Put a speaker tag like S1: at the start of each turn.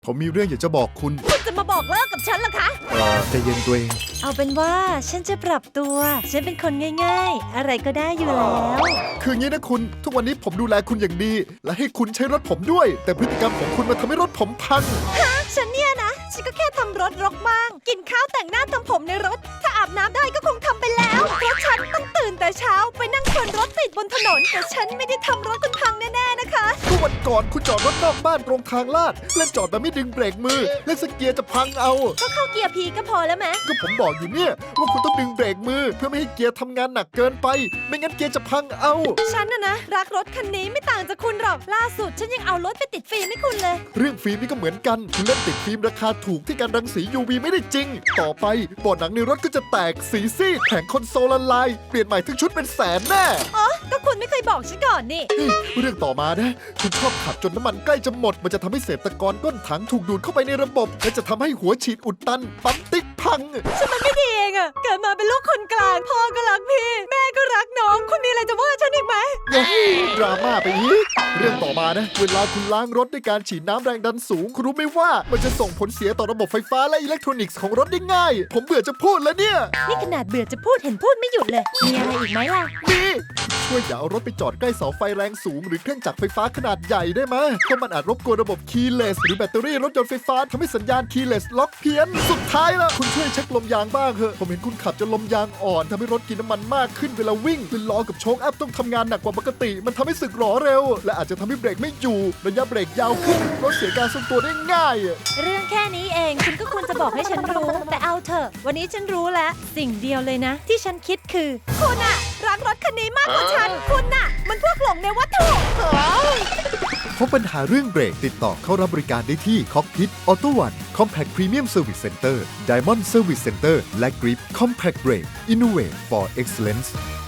S1: ผมมีเรื่องอยากจะบอกคุณ
S2: คุณจะมาบอกเลิกกับฉันเหรอคะ
S1: ใจเย็นตัวเอง
S2: เอาเป็นว่าฉันจะปรับตัว ฉันเป็นคนง่ายๆ อะไรก็ได้อยู่แล้ว
S1: คืองี้นะคุณ ทุกวันนี้ผมดูแลคุณอย่างดี และให้คุณใช้รถผมด้วย แต่พฤติกรรมของคุณมาทำให้รถผมพัง
S2: ฉันเนี่ยนะ ฉันก็แค่ทำรถรกบ้าง กินข้าวแต่งหน้าทำผมในรถ ถ้าอาบน้ำได้ก็คงทำไปแล้ว เพราะฉันต้องตื่นแต่เช้าไปนั่งคนรถติดบนถนน แต่ฉันไม่ได้ทำรถคุณพังแน่ๆนะคะ
S1: ก็วันก่อนคุณจอดรถนอกบ้านตรงทางลาด เล่นจอดแบบไม่ดึงเบรกมือ เล่นสเกียร์จะพังเอา
S2: ก็เข้าเกียร์พีก็พอแล้วไหม
S1: ก็ผมบอกอยู่เนี่ยว่าคุณต้องดึงเบรกมือ เพื่อไม่ให้เกียร์ทำงานหนักเกินไป ไม่งั้นเกียร์จะพังเอา
S2: ฉันนะรักรถคันนี้ไม่ต่างจากคุณหรอก ล่าสุดฉันยังเอารถไปติดฟิล์มให้คุณเลย
S1: เรื่องฟิล์มนี่ก็เหมือนกัน คุณเล่นติดฟิล์มราคาถูกที่การรังสี UV ไม่ได้จริง ต่อไปบอร์ดหนังในรถก็จะแตกสีซีดแผงคอนโซลละลาย เปลี่ยนใหม่ทั้งชุดเป็นแสนแน่
S2: อ๋อ ก็คุณไม่เคยบอกฉันก่อนนี่
S1: เรื่องต่อมานะ คุณชอบขับจนน้ำมันใกล้จะหมด มันจะทำให้เศษตะกอนก้นถังถูกดูดเข้าไปในระบบ และจะทำให้หัวฉีดอุดตัน ปั๊มติ๊กพัง
S2: ฉันมันไม่ดีเองอะเกิดมาเป็นลูกคนกลาง พ่อก็รักพี่ แม่ก็รักน้อง คุณมีอะไรจะว่าฉันอีกไหม
S1: ดราม่าไปอีก เรื่องต่อมานะ เวลาคุณล้างรถด้วยการฉีดน้ำแรงดันสูง คุณรู้ไหมว่ามันจะส่งผลเสียต่อระบบไฟฟ้าและอิเล็กทรอนิกส์ของรถได้ง่าย ผมเบื่อจะพูดแล้วเนี่ย
S2: นี่ขนาดเบื่อจะพูดเห็นพูดไม่หยุดเลย มีอะไรอีกไหมล่ะ
S1: นี่ช่วยอย่าเอารถไปจอดใกล้เสาไฟแรงสูงหรือเครื่องจักรไฟฟ้าขนาดใหญ่ได้ไหมเพราะมันอาจรบกวนระบบ keyless หรือแบตเตอรี่รถยนต์ไฟฟ้าทำให้สัญญาณ keyless ล็อกเพี้ยน สุดท้ายละคุณช่วยเช็คลมยางบ้างเถอะผมเห็นคุณขับจนลมยางอ่อนทำให้รถกินน้ำมันมากขึ้นเวลาวิ่งคือล้อกับโชคอัพต้องทำงานหนักกว่าปกติ มันทำให้สึกหรอเร็ว และอาจจะทำให้เบรกไม่อยู่ระยะเบรกยาวขึ้นรถเสียการทรงตัวได้ง่าย
S2: เรื่องแค่นี้เองคุณก็ควรจะบอกให้ฉันรู้ แต่เอาเถอะ วันนี้ฉันรู้แล้ว สิ่งเดียวเลยนะ ที่ฉันคิดคือ คุณอะรักรถคันนี้มากกว่าฉัน คุณน่ะ มันพวกหลงในวัตถุ
S1: พบปัญหาเรื่องเบรกติดต่อเข้ารับบริการได้ที่ Cockpit Auto One Compact Premium Service Center Diamond Service Center และ Grip Compact Brake Innovate for Excellence